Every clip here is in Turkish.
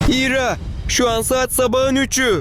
İra, şu an saat sabahın 3'ü.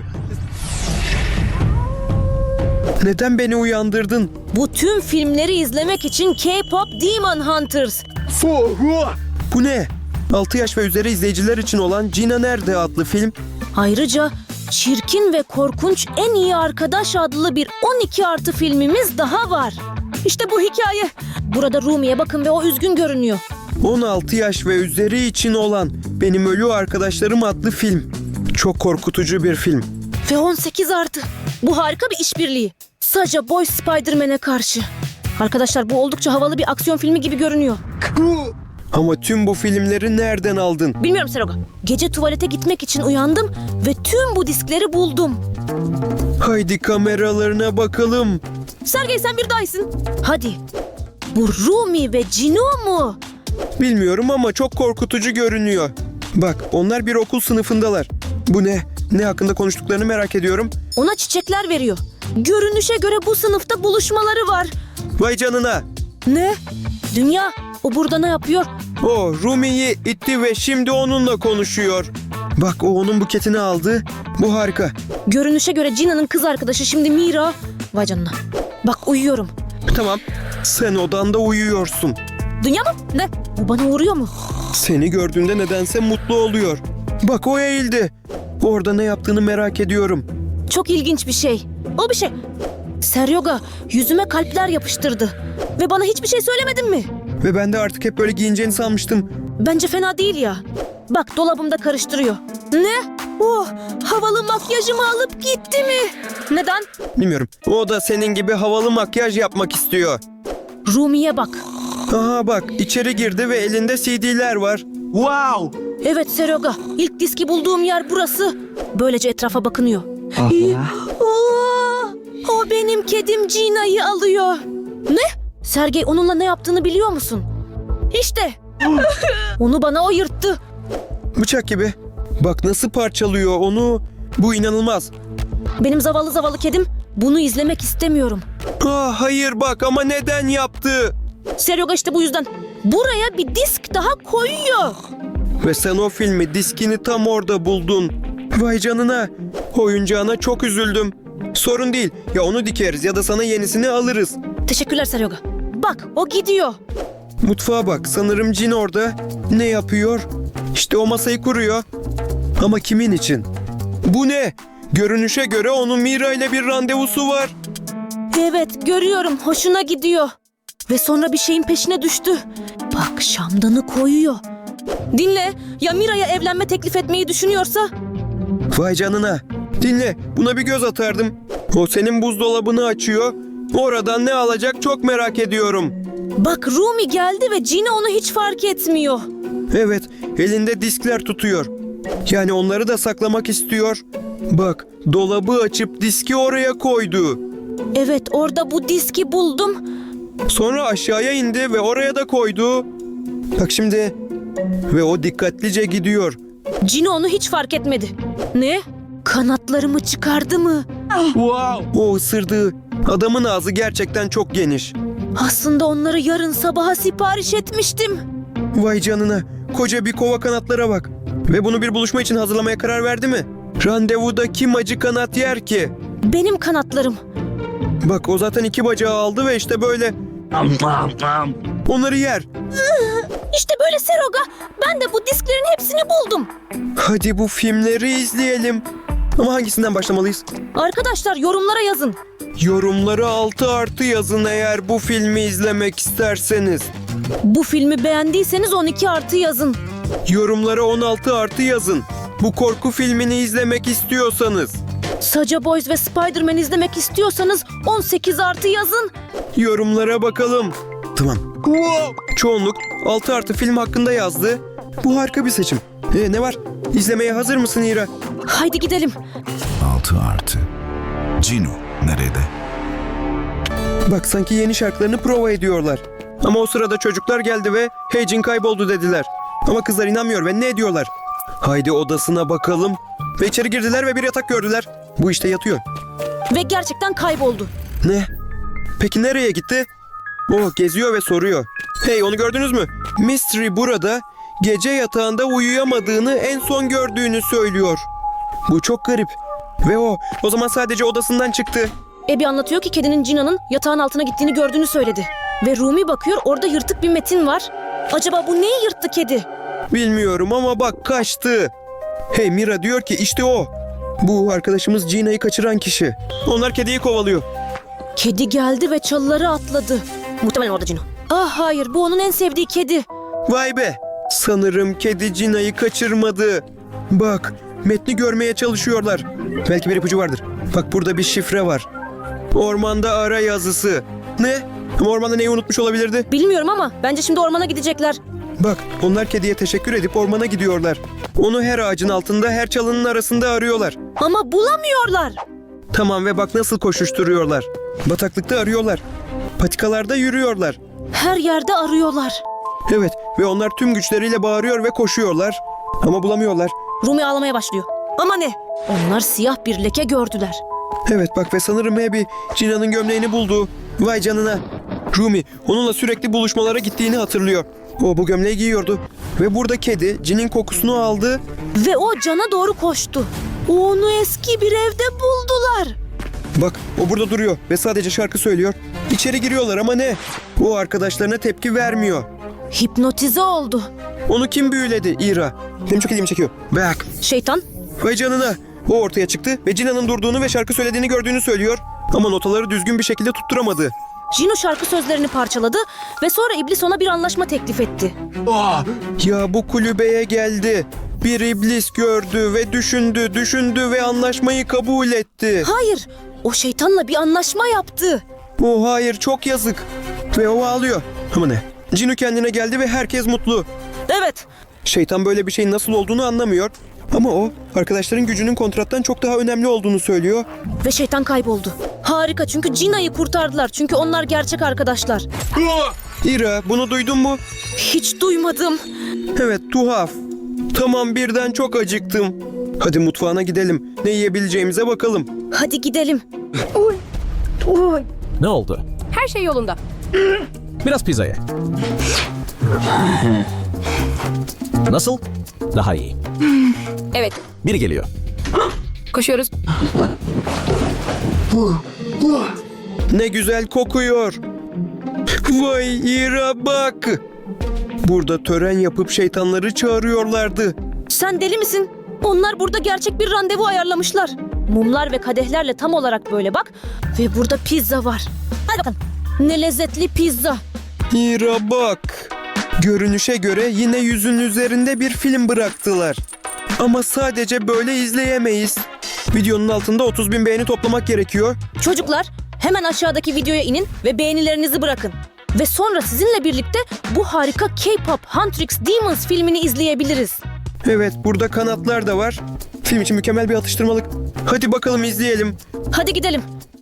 Neden beni uyandırdın? Bu tüm filmleri izlemek için K-Pop Demon Hunters. Bu ne? 6 yaş ve üzeri izleyiciler için olan Gina Nerede adlı film. Ayrıca Çirkin ve Korkunç En İyi Arkadaş adlı bir 12+ filmimiz daha var. İşte bu hikaye. Burada Rumi'ye bakın ve o üzgün görünüyor. 16 yaş ve üzeri için olan Benim Ölü Arkadaşlarım adlı film. Çok korkutucu bir film. Ve 18+. Bu harika bir işbirliği. Saja Boy Spider-Man'e karşı. Arkadaşlar bu oldukça havalı bir aksiyon filmi gibi görünüyor. Ama tüm bu filmleri nereden aldın? Bilmiyorum Seroga. Gece tuvalete gitmek için uyandım ve tüm bu diskleri buldum. Haydi kameralarına bakalım. Sergey sen bir daha iyisin. Hadi. Bu Rumi ve Cino mu? Bilmiyorum ama çok korkutucu görünüyor. Bak, onlar bir okul sınıfındalar. Bu ne? Ne hakkında konuştuklarını merak ediyorum. Ona çiçekler veriyor. Görünüşe göre bu sınıfta buluşmaları var. Vay canına. Ne? Dünya, o burada ne yapıyor? O Rumi'yi itti ve şimdi onunla konuşuyor. Bak, o onun buketini aldı. Bu harika. Görünüşe göre Cina'nın kız arkadaşı şimdi Mira. Vay canına. Bak uyuyorum. Tamam. Sen odanda uyuyorsun. Dünya mı? Ne? Bu bana uğruyor mu? Seni gördüğünde nedense mutlu oluyor. Bak, o eğildi. Orada ne yaptığını merak ediyorum. Çok ilginç bir şey. O bir şey. Seryoga yüzüme kalpler yapıştırdı. Ve bana hiçbir şey söylemedin mi? Ve ben de artık hep böyle giyineceğini sanmıştım. Bence fena değil ya. Bak dolabımda karıştırıyor. Ne? Oh, havalı makyajımı alıp gitti mi? Neden? Bilmiyorum. O da senin gibi havalı makyaj yapmak istiyor. Rumi'ye bak. Aha bak, içeri girdi ve elinde CD'ler var. Wow! Evet Seryoga, ilk diski bulduğum yer burası. Böylece etrafa bakınıyor. Oo, o benim kedim Gina'yı alıyor. Ne? Sergey onunla ne yaptığını biliyor musun? İşte. Onu bana o yırttı. Bıçak gibi. Bak nasıl parçalıyor onu. Bu inanılmaz. Benim zavallı zavallı kedim bunu izlemek istemiyorum. Ah hayır bak, ama neden yaptı? Seryoga işte bu yüzden. Buraya bir disk daha koyuyor. Ve sen o filmi, diskini tam orada buldun. Vay canına. Oyuncağına çok üzüldüm. Sorun değil. Ya onu dikeriz ya da sana yenisini alırız. Teşekkürler Seryoga. Bak o gidiyor. Mutfağa bak. Sanırım Cin orada. Ne yapıyor? İşte o masayı kuruyor. Ama kimin için? Bu ne? Görünüşe göre onun Mira ile bir randevusu var. Evet görüyorum, hoşuna gidiyor. Ve sonra bir şeyin peşine düştü. Bak şamdanı koyuyor. Dinle, ya Mira'ya evlenme teklif etmeyi düşünüyorsa? Vay canına. Dinle, buna bir göz atardım. O senin buzdolabını açıyor. Oradan ne alacak çok merak ediyorum. Bak Rumi geldi ve Gina onu hiç fark etmiyor. Evet, elinde diskler tutuyor. Yani onları da saklamak istiyor. Bak, dolabı açıp diski oraya koydu. Evet orada bu diski buldum. Sonra aşağıya indi ve oraya da koydu. Bak şimdi. Ve o dikkatlice gidiyor. Gina onu hiç fark etmedi. Ne? Kanatlarımı çıkardı mı? Wow! O ısırdığı. Adamın ağzı gerçekten çok geniş. Aslında onları yarın sabaha sipariş etmiştim. Vay canına. Koca bir kova kanatlara bak. Ve bunu bir buluşma için hazırlamaya karar verdi mi? Randevuda kim acı kanat yer ki? Benim kanatlarım. Bak, o zaten 2 bacağı aldı ve işte böyle. Onları yer. İşte böyle Seryoga. Ben de bu disklerin hepsini buldum. Hadi bu filmleri izleyelim. Ama hangisinden başlamalıyız? Arkadaşlar yorumlara yazın. Yorumları 6+ yazın eğer bu filmi izlemek isterseniz. Bu filmi beğendiyseniz 12+ yazın. Yorumlara 16+ yazın. Bu korku filmini izlemek istiyorsanız. Saja Boys ve Spider-Man izlemek istiyorsanız 18+ yazın. Yorumlara bakalım. Tamam. Çoğunluk 6+ film hakkında yazdı. Bu harika bir seçim. Ne var? İzlemeye hazır mısın İra? Haydi gidelim. 6+. Cino nerede? Bak, sanki yeni şarkılarını prova ediyorlar. Ama o sırada çocuklar geldi ve "Hey, Cin kayboldu" dediler. Ama kızlar inanmıyor ve ne diyorlar? Haydi odasına bakalım. Ve içeri girdiler ve bir yatak gördüler. Bu işte yatıyor. Ve gerçekten kayboldu. Ne? Peki nereye gitti? O geziyor ve soruyor. Hey, onu gördünüz mü? Mystery burada. gece yatağında uyuyamadığını en son gördüğünü söylüyor. Bu çok garip. Ve o zaman sadece odasından çıktı. Abby anlatıyor ki kedinin Gina'nın yatağın altına gittiğini gördüğünü söyledi. Ve Rumi bakıyor, orada yırtık bir metin var. Acaba bu neyi yırttı kedi? Bilmiyorum ama bak kaçtı. Hey, Mira diyor ki işte o. Bu arkadaşımız Gina'yı kaçıran kişi. Onlar kediyi kovalıyor. Kedi geldi ve çalıları atladı. Muhtemelen orada Gino. Ah hayır, bu onun en sevdiği kedi. Vay be. Sanırım kedi Gina'yı kaçırmadı. Bak, metni görmeye çalışıyorlar. Belki bir ipucu vardır. Bak, burada bir şifre var. Ormanda ara yazısı. Ne? Ama ormanda neyi unutmuş olabilirdi? Bilmiyorum ama bence şimdi ormana gidecekler. Bak, onlar kediye teşekkür edip ormana gidiyorlar. Onu her ağacın altında, her çalının arasında arıyorlar. Ama bulamıyorlar. Tamam, ve bak nasıl koşuşturuyorlar. Bataklıkta arıyorlar. Patikalarda yürüyorlar. Her yerde arıyorlar. Evet, ve onlar tüm güçleriyle bağırıyor ve koşuyorlar. Ama bulamıyorlar. Rumi ağlamaya başlıyor. Ama ne? Onlar siyah bir leke gördüler. Evet bak, ve sanırım Abby Gina'nın gömleğini buldu. Vay canına. Rumi onunla sürekli buluşmalara gittiğini hatırlıyor. O bu gömleği giyiyordu. Ve burada kedi Gin'in kokusunu aldı. Ve o Can'a doğru koştu. Onu eski bir evde buldular. Bak, o burada duruyor ve sadece şarkı söylüyor. İçeri giriyorlar ama ne? O arkadaşlarına tepki vermiyor. Hipnotize oldu. Onu kim büyüledi Ira? Benim çok ilgimi çekiyor. Bak. Şeytan. Vay canına. O ortaya çıktı ve Gina'nın durduğunu ve şarkı söylediğini gördüğünü söylüyor. Ama notaları düzgün bir şekilde tutturamadı. Gino şarkı sözlerini parçaladı ve sonra iblis ona bir anlaşma teklif etti. Ya bu kulübeye geldi. Bir iblis gördü ve düşündü ve anlaşmayı kabul etti. Hayır, o şeytanla bir anlaşma yaptı. Oh hayır, çok yazık. Ve o ağlıyor. Ama ne? Gino kendine geldi ve herkes mutlu. Evet, Şeytan böyle bir şeyin nasıl olduğunu anlamıyor. Ama o arkadaşların gücünün kontrattan çok daha önemli olduğunu söylüyor. ve şeytan kayboldu. Harika, çünkü Gina'yı kurtardılar. Çünkü onlar gerçek arkadaşlar. Ira, bunu duydun mu? Hiç duymadım. Evet, tuhaf. Tamam, birden çok acıktım. Hadi mutfağına gidelim. Ne yiyebileceğimize bakalım. Hadi gidelim. Ne oldu? Her şey yolunda. Biraz pizza ye. Nasıl? Daha iyi. Evet, Biri geliyor. koşuyoruz. Ne güzel kokuyor. Vay Ira, bak. Burada tören yapıp şeytanları çağırıyorlardı. Sen deli misin? Onlar burada gerçek bir randevu ayarlamışlar. Mumlar ve kadehlerle tam olarak böyle bak. Ve burada pizza var. Hadi bakalım. Ne lezzetli pizza. Ira bak. Görünüşe göre yine yüzün üzerinde bir film bıraktılar. Ama sadece böyle izleyemeyiz. Videonun altında 30.000 beğeni toplamak gerekiyor. Çocuklar, hemen aşağıdaki videoya inin ve beğenilerinizi bırakın. Ve sonra sizinle birlikte bu harika K-pop Huntrix Demons filmini izleyebiliriz. Evet, burada kanatlar da var. Film için mükemmel bir atıştırmalık. Hadi bakalım izleyelim. Hadi gidelim.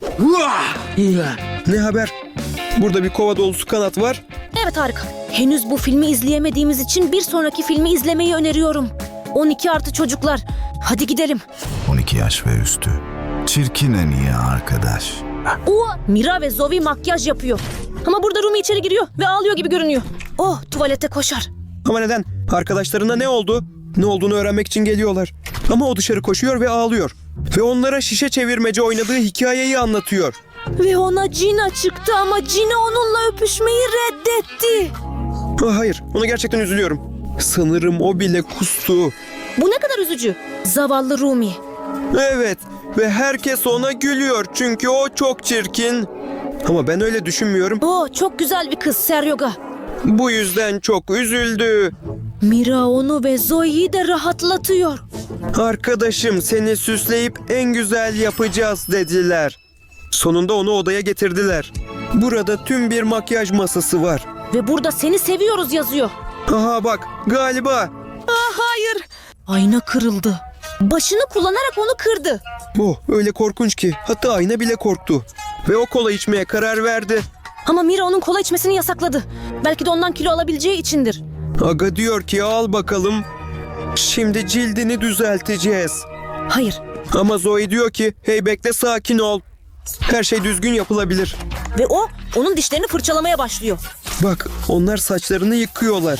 Ne haber? Burada bir kova dolusu kanat var. Evet, harika. Henüz bu filmi izleyemediğimiz için bir sonraki filmi izlemeyi öneriyorum. 12 artı çocuklar. Hadi gidelim. 12 yaş ve üstü. Çirkin en iyi arkadaş. Mira ve Zoe makyaj yapıyor. Ama burada Rumi içeri giriyor ve ağlıyor gibi görünüyor. Oh, tuvalete koşar. Ama neden? Arkadaşlarına ne oldu? Ne olduğunu öğrenmek için geliyorlar. Ama o dışarı koşuyor ve ağlıyor. Ve onlara şişe çevirmece oynadığı hikayeyi anlatıyor. Ve ona Gina çıktı ama Gina onunla öpüşmeyi reddetti. Ah, hayır, ona gerçekten üzülüyorum. Sanırım o bile kustu. Bu ne kadar üzücü. Zavallı Rumi. Evet, ve herkes ona gülüyor çünkü o çok çirkin. Ama ben öyle düşünmüyorum. Oh, çok güzel bir kız Seryoga. Bu yüzden çok üzüldü. Mira onu ve Zoe'yi de rahatlatıyor. Arkadaşım, seni süsleyip en güzel yapacağız dediler. Sonunda onu odaya getirdiler. Burada tüm bir makyaj masası var. Ve burada seni seviyoruz yazıyor. Aha bak, galiba. Hayır. Ayna kırıldı. Başını kullanarak onu kırdı. Oh, öyle korkunç ki hatta ayna bile korktu. Ve o kola içmeye karar verdi. Ama Mira onun kola içmesini yasakladı. Belki de ondan kilo alabileceği içindir. Aga diyor ki al bakalım. Şimdi cildini düzelteceğiz. Hayır. Ama Zoe diyor ki hey bekle, sakin ol. Her şey düzgün yapılabilir. Ve o onun dişlerini fırçalamaya başlıyor. Bak, onlar saçlarını yıkıyorlar.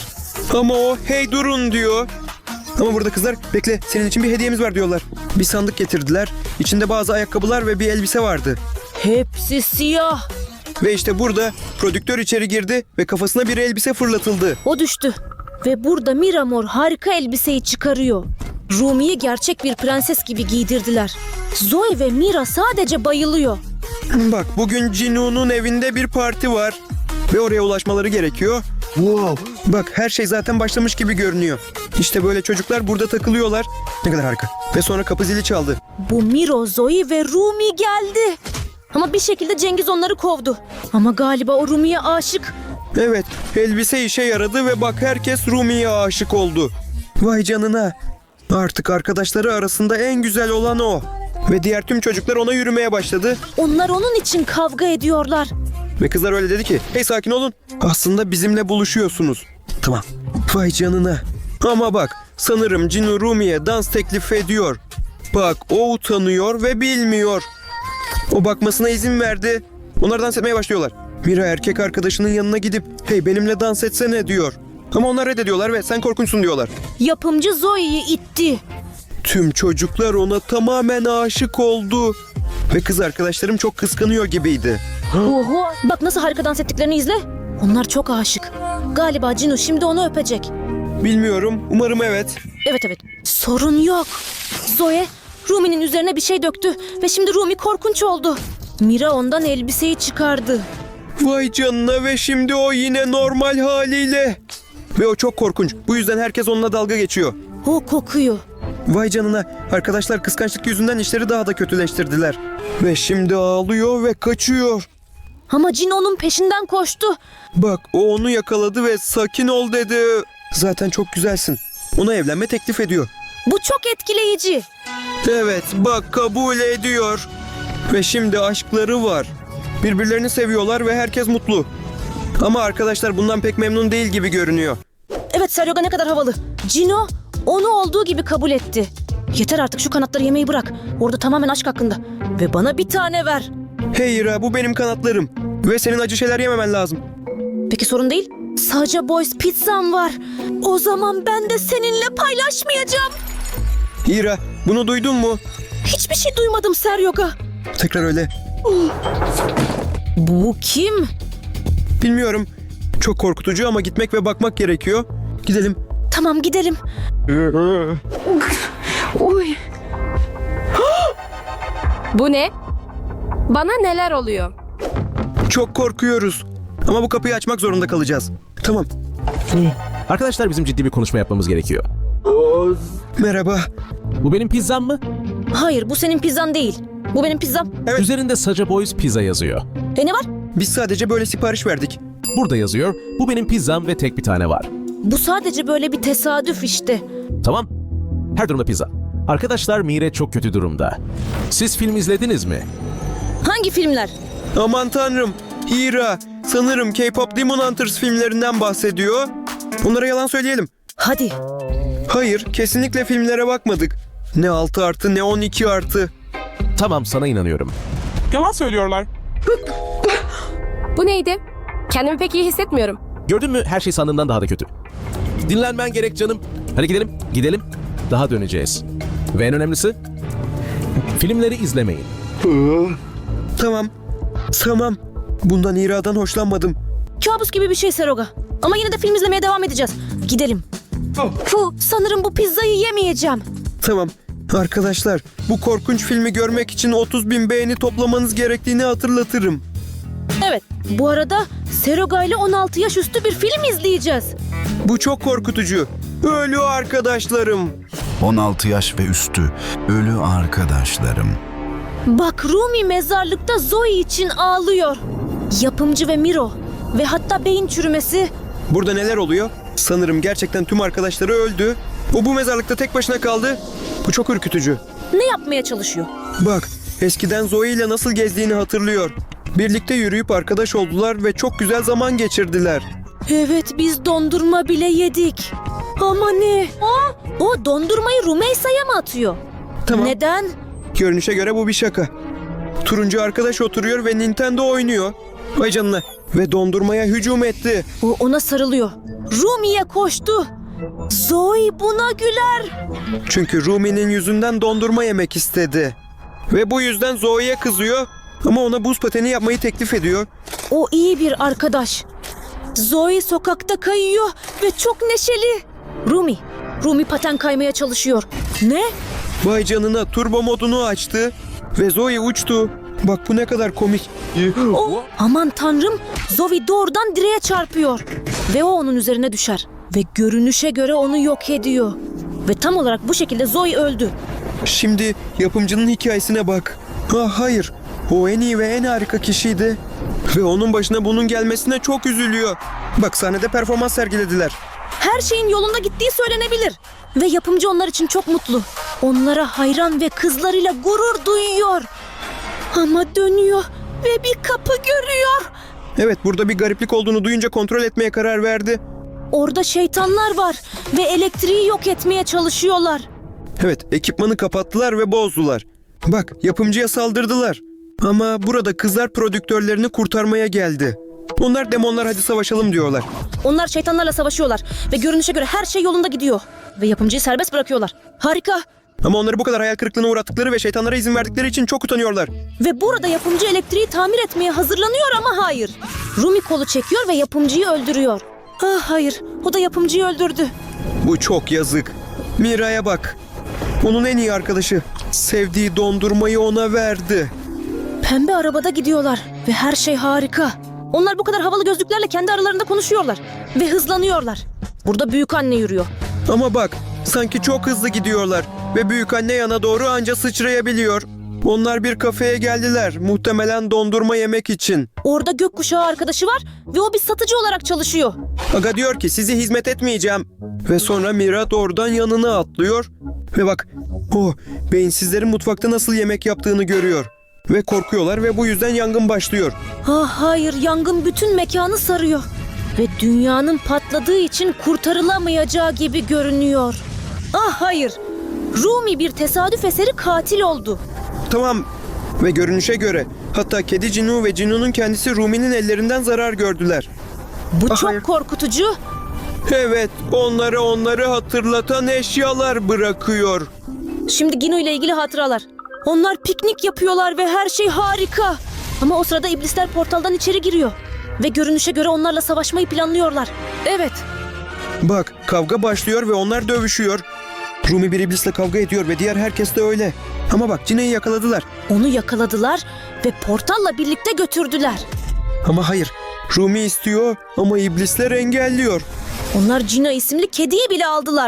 Ama o hey durun diyor. Ama burada kızlar bekle senin için bir hediyemiz var diyorlar. Bir sandık getirdiler. İçinde bazı ayakkabılar ve bir elbise vardı. Hepsi siyah. Ve işte burada prodüktör içeri girdi ve kafasına bir elbise fırlatıldı. O düştü. Ve burada Miramor harika elbiseyi çıkarıyor. Rumi'yi gerçek bir prenses gibi giydirdiler. Zoe ve Mira sadece bayılıyor. Bak bugün Cinu'nun evinde bir parti var. Ve oraya ulaşmaları gerekiyor. Wow. Bak her şey zaten başlamış gibi görünüyor. İşte böyle çocuklar burada takılıyorlar. Ne kadar harika. Ve sonra kapı zili çaldı. Bu Miro, Zoe ve Rumi geldi. Ama bir şekilde Cengiz onları kovdu. Ama galiba o Rumi'ye aşık. Evet, elbise işe yaradı ve bak herkes Rumi'ye aşık oldu. Vay canına. Artık arkadaşları arasında en güzel olan o. Ve diğer tüm çocuklar ona yürümeye başladı. Onlar onun için kavga ediyorlar. Ve kızlar öyle dedi ki, hey sakin olun. Aslında bizimle buluşuyorsunuz. Tamam. Vay canına. Ama bak, sanırım Cinu Rumi'ye dans teklif ediyor. Bak, o utanıyor ve bilmiyor. O bakmasına izin verdi. Onlar dans etmeye başlıyorlar. Mira erkek arkadaşının yanına gidip, hey benimle dans etsene diyor. Ama onlar reddediyorlar ve sen korkunçsun diyorlar. Yapımcı Zoe'yi itti. Tüm çocuklar ona tamamen aşık oldu. Ve kız arkadaşlarım çok kıskanıyor gibiydi. Oho, bak nasıl harika dans ettiklerini izle. Onlar çok aşık. Galiba Cinu şimdi onu öpecek. Bilmiyorum, umarım evet. Evet. Sorun yok. Zoe, Rumi'nin üzerine bir şey döktü ve şimdi Rumi korkunç oldu. Mira ondan elbiseyi çıkardı. Vay canına ve şimdi o yine normal haliyle. Ve o çok korkunç. Bu yüzden herkes onunla dalga geçiyor. O kokuyor. Vay canına. Arkadaşlar kıskançlık yüzünden işleri daha da kötüleştirdiler. Ve şimdi ağlıyor ve kaçıyor. Ama Cinu onun peşinden koştu. Bak o onu yakaladı ve sakin ol dedi. Zaten çok güzelsin. Ona evlenme teklif ediyor. Bu çok etkileyici. Evet bak kabul ediyor. Ve şimdi aşkları var. Birbirlerini seviyorlar ve herkes mutlu. Ama arkadaşlar bundan pek memnun değil gibi görünüyor. Evet Seryoga ne kadar havalı. Cinu onu olduğu gibi kabul etti. Yeter artık şu kanatları yemeyi bırak. Orada tamamen aşk hakkında. Ve bana bir tane ver. Hey Ira bu benim kanatlarım. Ve senin acı şeyler yememen lazım. Peki sorun değil. Sadece Boys pizzam var. O zaman ben de seninle paylaşmayacağım. Ira bunu duydun mu? Hiçbir şey duymadım Seryoga. Tekrar öyle. Bu kim? Bilmiyorum. Çok korkutucu ama gitmek ve bakmak gerekiyor. Gidelim. Tamam gidelim. Bu ne? Bana neler oluyor? Çok korkuyoruz. Ama bu kapıyı açmak zorunda kalacağız. Tamam. Arkadaşlar bizim ciddi bir konuşma yapmamız gerekiyor. Merhaba. Bu benim pizzam mı? Hayır bu senin pizzan değil. Bu benim pizzam. Evet. Üzerinde Saca Boys pizza yazıyor. Ne var? Biz sadece böyle sipariş verdik. Burada yazıyor. Bu benim pizzam ve tek bir tane var. Bu sadece böyle bir tesadüf işte. Tamam. Her durumda pizza. Arkadaşlar Mire çok kötü durumda. Siz film izlediniz mi? Hangi filmler? Aman tanrım. Ira sanırım K-pop Demon Hunters filmlerinden bahsediyor. Onlara yalan söyleyelim. Hadi. Hayır kesinlikle filmlere bakmadık. Ne 6 artı ne 12 artı. Tamam sana inanıyorum. Yalan söylüyorlar. Bu neydi? Kendimi pek iyi hissetmiyorum. Gördün mü her şey sandığımdan daha da kötü. Dinlenmen gerek canım. Hadi gidelim. Daha döneceğiz. Ve en önemlisi filmleri izlemeyin. Tamam. Bundan İra'dan hoşlanmadım. Kabus gibi bir şey Seroga. Ama yine de film izlemeye devam edeceğiz. Gidelim. Sanırım bu pizzayı yemeyeceğim. Tamam. Arkadaşlar bu korkunç filmi görmek için 30.000 beğeni toplamanız gerektiğini hatırlatırım. Evet. Bu arada Seroga ile 16 yaş üstü bir film izleyeceğiz. Bu çok korkutucu. Ölü arkadaşlarım. 16 yaş ve üstü ölü arkadaşlarım. Bak Rumi mezarlıkta Zoe için ağlıyor. Yapımcı ve Miro. Ve hatta beyin çürümesi. Burada neler oluyor? Sanırım gerçekten tüm arkadaşları öldü. O bu mezarlıkta tek başına kaldı. Bu çok ürkütücü. Ne yapmaya çalışıyor? Bak eskiden Zoe ile nasıl gezdiğini hatırlıyor. Birlikte yürüyüp arkadaş oldular ve çok güzel zaman geçirdiler. Evet biz dondurma bile yedik. Ama ne? O dondurmayı Rumeysa'ya mı atıyor? Tamam. Neden? Görünüşe göre bu bir şaka. Turuncu arkadaş oturuyor ve Nintendo oynuyor. Vay canına. ve dondurmaya hücum etti. O ona sarılıyor. Rumi'ye koştu. Zoe buna güler. Çünkü Rumi'nin yüzünden dondurma yemek istedi. Ve bu yüzden Zoe'ye kızıyor ama ona buz pateni yapmayı teklif ediyor. O iyi bir arkadaş. Zoe sokakta kayıyor ve çok neşeli. Rumi paten kaymaya çalışıyor. Ne? Vay canına, turbo modunu açtı ve Zoe uçtu. Bak bu ne kadar komik. Aman tanrım, Zoe doğrudan direğe çarpıyor. Ve o onun üzerine düşer. Ve görünüşe göre onu yok ediyor. Ve tam olarak bu şekilde Zoe öldü. Şimdi yapımcının hikayesine bak. Hayır, o en iyi ve en harika kişiydi. Ve onun başına bunun gelmesine çok üzülüyor. Bak sahnede performans sergilediler. Her şeyin yolunda gittiği söylenebilir. Ve yapımcı onlar için çok mutlu. Onlara hayran ve kızlarıyla gurur duyuyor. Ama dönüyor ve bir kapı görüyor. Evet, burada bir gariplik olduğunu duyunca kontrol etmeye karar verdi. Orada şeytanlar var ve elektriği yok etmeye çalışıyorlar. Evet, ekipmanı kapattılar ve bozdular. Bak, yapımcıya saldırdılar. Ama burada kızlar prodüktörlerini kurtarmaya geldi. Onlar demonlar hadi savaşalım diyorlar. Onlar şeytanlarla savaşıyorlar ve görünüşe göre her şey yolunda gidiyor. Ve yapımcıyı serbest bırakıyorlar. Harika. Ama onları bu kadar hayal kırıklığına uğrattıkları ve şeytanlara izin verdikleri için çok utanıyorlar. Ve burada yapımcı elektriği tamir etmeye hazırlanıyor ama hayır. Rumi kolu çekiyor ve yapımcıyı öldürüyor. Hayır, o da yapımcıyı öldürdü. Bu çok yazık. Mira'ya bak. Onun en iyi arkadaşı. Sevdiği dondurmayı ona verdi. Pembe arabada gidiyorlar ve her şey harika. Onlar bu kadar havalı gözlüklerle kendi aralarında konuşuyorlar ve hızlanıyorlar. Burada büyükanne yürüyor. Ama bak, sanki çok hızlı gidiyorlar ve büyükanne yana doğru anca sıçrayabiliyor. Onlar bir kafeye geldiler, muhtemelen dondurma yemek için. Orada gökkuşağı arkadaşı var ve o bir satıcı olarak çalışıyor. Aga diyor ki sizi hizmet etmeyeceğim. Ve sonra Mira doğrudan yanına atlıyor. Ve bak, beyinsizlerin mutfakta nasıl yemek yaptığını görüyor. Ve korkuyorlar ve bu yüzden yangın başlıyor. Hayır, yangın bütün mekanı sarıyor. Ve dünyanın patladığı için kurtarılamayacağı gibi görünüyor. Hayır, Rumi bir tesadüf eseri katil oldu. Tamam. Ve görünüşe göre hatta kedi Cinu ve Cinu'nun kendisi Rumi'nin ellerinden zarar gördüler. Bu çok hayır. korkutucu. Evet, onları hatırlatan eşyalar bırakıyor. Şimdi Gino ile ilgili hatıralar. Onlar piknik yapıyorlar ve her şey harika. Ama o sırada iblisler portaldan içeri giriyor. Ve görünüşe göre onlarla savaşmayı planlıyorlar. Evet. Bak, kavga başlıyor ve onlar dövüşüyor. Rumi bir iblisle kavga ediyor ve diğer herkes de öyle. Ama bak, Cine'yi yakaladılar. Onu yakaladılar ve portalla birlikte götürdüler. Ama hayır, Rumi istiyor ama iblisler engelliyor. Onlar Gina isimli kediyi bile aldılar.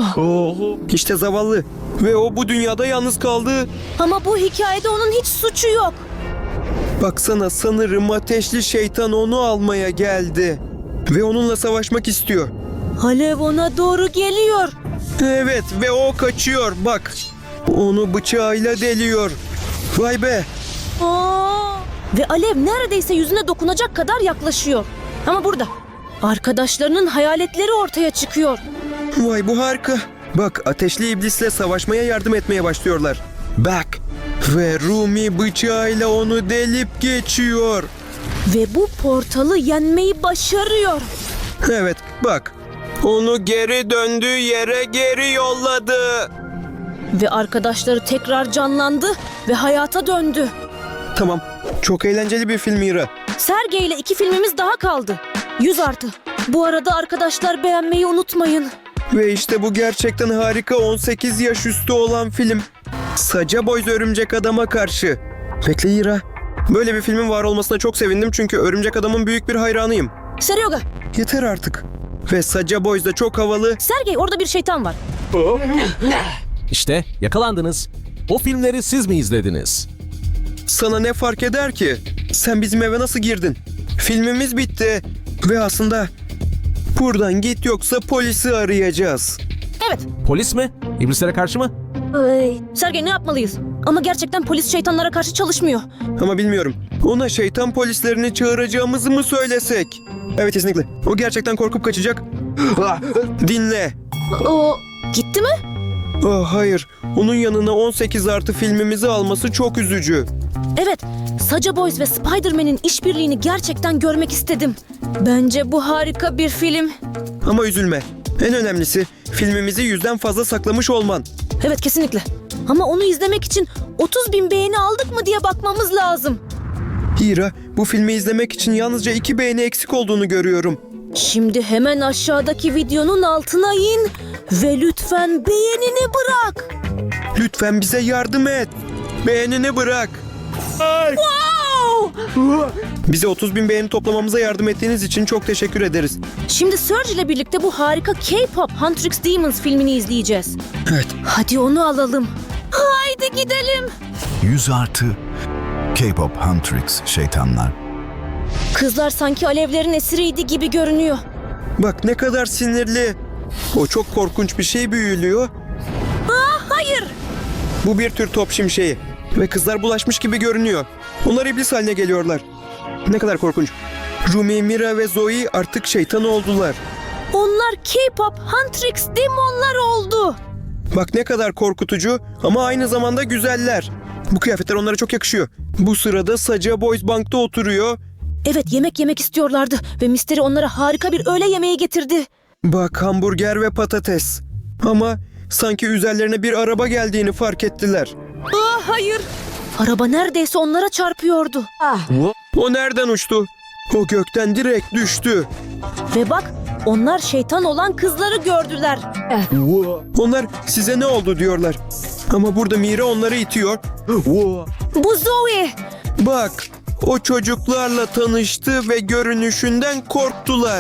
İşte zavallı. Ve o bu dünyada yalnız kaldı. Ama bu hikayede onun hiç suçu yok. Baksana, sanırım ateşli şeytan onu almaya geldi. Ve onunla savaşmak istiyor. Alev ona doğru geliyor. Evet ve o kaçıyor bak. Onu bıçağıyla deliyor. Vay be. Ve alev neredeyse yüzüne dokunacak kadar yaklaşıyor. Ama burada arkadaşlarının hayaletleri ortaya çıkıyor. Vay, bu harika. Bak, ateşli iblisle savaşmaya yardım etmeye başlıyorlar. Bak. Ve Rumi bıçağıyla onu delip geçiyor. Ve bu portalı yenmeyi başarıyor. Evet bak. Onu geri döndüğü yere geri yolladı. Ve arkadaşları tekrar canlandı ve hayata döndü. Tamam. Çok eğlenceli bir film Mira. Sergey ile 2 filmimiz daha kaldı. 100+. Bu arada arkadaşlar beğenmeyi unutmayın. Ve işte bu gerçekten harika 18 yaş üstü olan film. Saca Boys Örümcek Adam'a karşı. Bekle Ira. Böyle bir filmin var olmasına çok sevindim çünkü Örümcek Adam'ın büyük bir hayranıyım. Seryoga, Yeter artık. Ve Saca Boys da çok havalı. Sergey orada bir şeytan var. İşte yakalandınız. O filmleri siz mi izlediniz? Sana ne fark eder ki? Sen bizim eve nasıl girdin? Filmimiz bitti. Ve aslında buradan git yoksa polisi arayacağız. Evet. Polis mi? İblislere karşı mı? Sergey, ne yapmalıyız? Ama gerçekten polis şeytanlara karşı çalışmıyor. Ama bilmiyorum. Ona şeytan polislerini çağıracağımızı mı söylesek? Evet, kesinlikle. O gerçekten korkup kaçacak. Dinle. O gitti mi? Hayır. Onun yanına 18+ filmimizi alması çok üzücü. Evet. Saca Boys ve Spider-Man'in işbirliğini gerçekten görmek istedim. Bence bu harika bir film. Ama üzülme. En önemlisi filmimizi 100'den fazla saklamış olman. Evet, kesinlikle. Ama onu izlemek için 30.000 beğeni aldık mı diye bakmamız lazım. Hira, bu filmi izlemek için yalnızca 2 beğeni eksik olduğunu görüyorum. Şimdi hemen aşağıdaki videonun altına in ve lütfen beğenini bırak. Lütfen bize yardım et. Beğenini bırak. Bize 30.000 beğeni toplamamıza yardım ettiğiniz için çok teşekkür ederiz. Şimdi Surge ile birlikte bu harika K-pop Huntrix Demons filmini izleyeceğiz. Evet. Hadi onu alalım. Haydi gidelim. 100+ K-pop Huntrix şeytanlar. Kızlar sanki alevlerin esiriydi gibi görünüyor. Bak ne kadar sinirli. O çok korkunç bir şey büyülüyor. Hayır. Bu bir tür top şimşeği. Ve kızlar bulaşmış gibi görünüyor. Onlar iblis haline geliyorlar. Ne kadar korkunç. Rumi, Mira ve Zoe artık şeytan oldular. Onlar K-pop Huntrix Demonlar oldu. Bak ne kadar korkutucu ama aynı zamanda güzeller. Bu kıyafetler onlara çok yakışıyor. Bu sırada Saca Boys bankta oturuyor. Evet, yemek yemek istiyorlardı ve Mystery onlara harika bir öğle yemeği getirdi. Bak hamburger ve patates. Ama sanki üzerlerine bir araba geldiğini fark ettiler. Hayır. Araba neredeyse onlara çarpıyordu. O nereden uçtu? O gökten direkt düştü. Ve bak, onlar şeytan olan kızları gördüler. Onlar size ne oldu diyorlar. Ama burada Mira onları itiyor. Bu Zoe. Bak o çocuklarla tanıştı ve görünüşünden korktular.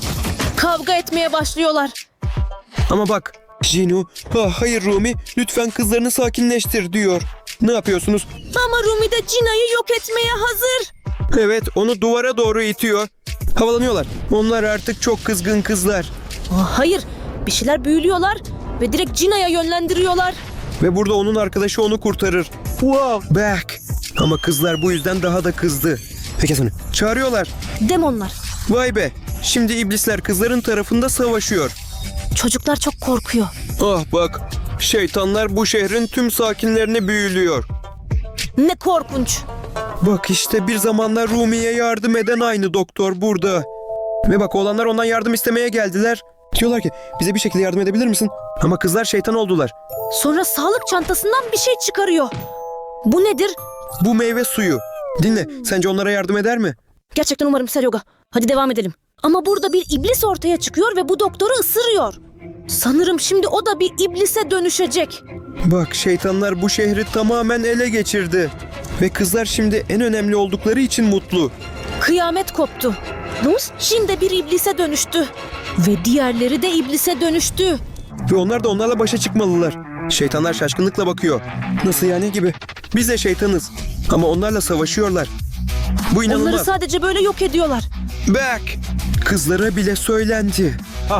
Kavga etmeye başlıyorlar. Ama bak Jinu, hayır Rumi lütfen kızlarını sakinleştir diyor. Ne yapıyorsunuz? Ama Rumi de Cina'yı yok etmeye hazır. Evet onu duvara doğru itiyor. Havalanıyorlar. Onlar artık çok kızgın kızlar. Hayır, bir şeyler büyülüyorlar ve direkt Cina'ya yönlendiriyorlar. Ve burada onun arkadaşı onu kurtarır. Back. Ama kızlar bu yüzden daha da kızdı. Peki onu çağırıyorlar. Demonlar. Vay be. Şimdi iblisler kızların tarafında savaşıyor. Çocuklar çok korkuyor. Ah bak. Şeytanlar bu şehrin tüm sakinlerini büyülüyor. Ne korkunç. Bak işte bir zamanlar Rumi'ye yardım eden aynı doktor burada. Ve bak oğlanlar ondan yardım istemeye geldiler. Diyorlar ki bize bir şekilde yardım edebilir misin? Ama kızlar şeytan oldular. Sonra sağlık çantasından bir şey çıkarıyor. Bu nedir? Bu meyve suyu. Dinle sence onlara yardım eder mi? Gerçekten umarım Seryoga. Hadi devam edelim. Ama burada bir iblis ortaya çıkıyor ve bu doktoru ısırıyor. Sanırım şimdi o da bir iblise dönüşecek. Bak şeytanlar bu şehri tamamen ele geçirdi. Ve kızlar şimdi en önemli oldukları için mutlu. Kıyamet koptu. Luz şimdi bir iblise dönüştü. Ve diğerleri de iblise dönüştü. Ve onlar da onlarla başa çıkmalılar. Şeytanlar şaşkınlıkla bakıyor. Nasıl yani gibi? Biz de şeytanız. Ama onlarla savaşıyorlar. Bu Onları inanılmaz. sadece böyle yok ediyorlar. Back! Kızlara bile söylendi.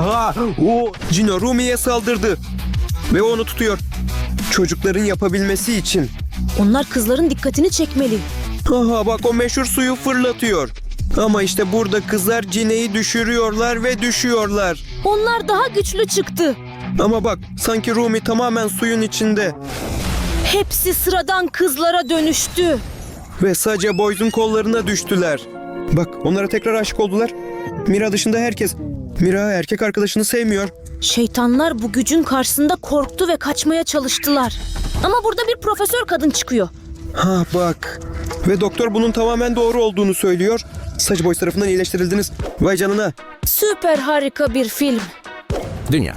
Cino Rumi'ye saldırdı. Ve onu tutuyor. Çocukların yapabilmesi için. Onlar kızların dikkatini çekmeli. Aha bak o meşhur suyu fırlatıyor. Ama işte burada kızlar Cine'yi düşürüyorlar ve düşüyorlar. Onlar daha güçlü çıktı. Ama bak sanki Rumi tamamen suyun içinde. Hepsi sıradan kızlara dönüştü. Ve Saca Boys'un kollarına düştüler. Bak onlara tekrar aşık oldular. Mira dışında herkes. Mira erkek arkadaşını sevmiyor. Şeytanlar bu gücün karşısında korktu ve kaçmaya çalıştılar. Ama burada bir profesör kadın çıkıyor. Ha bak. Ve doktor bunun tamamen doğru olduğunu söylüyor. Saca Boys tarafından iyileştirildiniz. Vay canına. Süper harika bir film. Dünya.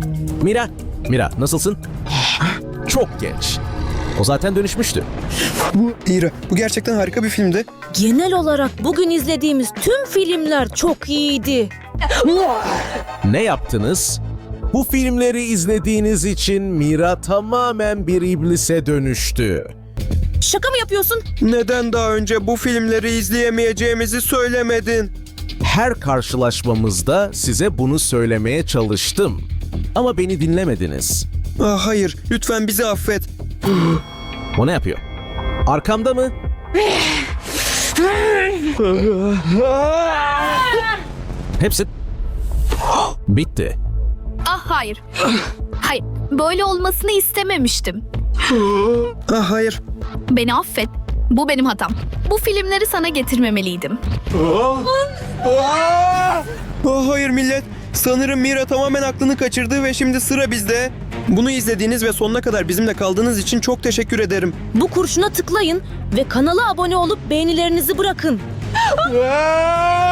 Mira nasılsın? Çok genç. O zaten dönüşmüştü. İra bu gerçekten harika bir filmdi. Genel olarak bugün izlediğimiz tüm filmler çok iyiydi. Ne yaptınız? Bu filmleri izlediğiniz için Mira tamamen bir iblise dönüştü. Şaka mı yapıyorsun? Neden daha önce bu filmleri izleyemeyeceğimizi söylemedin? Her karşılaşmamızda size bunu söylemeye çalıştım. Ama beni dinlemediniz. Ah hayır lütfen bizi affet. O ne yapıyor? Arkamda mı? Hepsi bitti. Ah hayır. Hayır, böyle olmasını istememiştim. Ah hayır. Beni affet. Bu benim hatam. Bu filmleri sana getirmemeliydim. Hayır millet. Sanırım Mira tamamen aklını kaçırdı ve şimdi sıra bizde. Bunu izlediğiniz ve sonuna kadar bizimle kaldığınız için çok teşekkür ederim. Bu kurşuna tıklayın ve kanala abone olup beğenilerinizi bırakın.